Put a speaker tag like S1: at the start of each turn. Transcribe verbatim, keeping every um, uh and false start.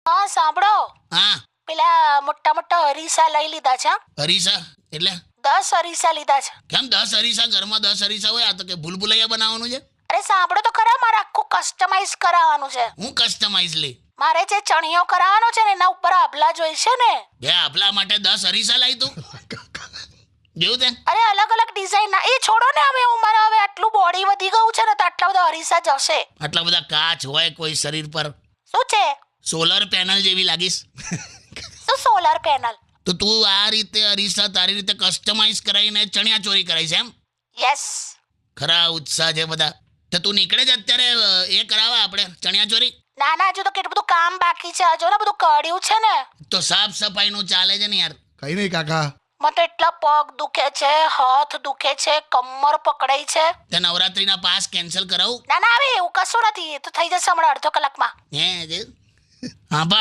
S1: હા સાંભળો,
S2: હા
S1: પેલા મોટા મોટા અરીસા લઈ લીધા છે.
S2: અરીસા એટલે
S1: દસ અરીસા લીધા છે.
S2: કેમ દસ અરીસા? ઘરમાં દસ અરીસા હોય? આ તો કે ભૂલભુલૈયા બનાવવાનું છે.
S1: અરે સાંભળો તો ખરા, મારે આખું કસ્ટમાઇઝ કરાવવાનું છે.
S2: હું કસ્ટમાઇઝ લે
S1: મારે જે ચણિયો કરાવવાનો છે ને એના ઉપર આભલા જોઈશે ને.
S2: બે આપલા માટે દસ અરીસા લાવી તું જેવું તે
S1: અરે અલગ અલગ ડિઝાઇન ના. એ છોડો ને, હવે હું મારા હવે આટલું બોડી વધી ગયું છે ને તો આટલા બધા અરીસા જશે.
S2: આટલા બધા કાચ હોય કોઈ શરીર પર,
S1: શું છે?
S2: સોલર પેનલ જેવી લાગીશ.
S1: શું સોલર પેનલ?
S2: તો તું આ રીતે અરીસા તારી રીતે કસ્ટમાઇઝ કરાવીને ચણિયા ચોરી કરાવીશ એમ?
S1: યસ.
S2: ખરા ઉત્સાહ છે બધા. તો તું નીકળે જ અત્યારે એ કરાવવા આપણે ચણિયા ચોરી?
S1: ના ના, હજુ તો કેટલું બધું કામ બાકી છે. હજુ ને બધું કર્યું છે ને.
S2: તો સાફ સફાઈનું ચાલે છે ને યાર.
S3: કઈ નહીં કાકા.
S1: મને તો એટલા પગ દુખે છે, હાથ દુખે છે, કમર પકડાઈ છે.
S2: તે નવરાત્રીના પાસ કેન્સલ કરાવું?
S1: ના ના, હવે એવું કશું નથી. એ તો થઈ જશે હમણાં અડધો કલાકમાં.
S2: હે જે હા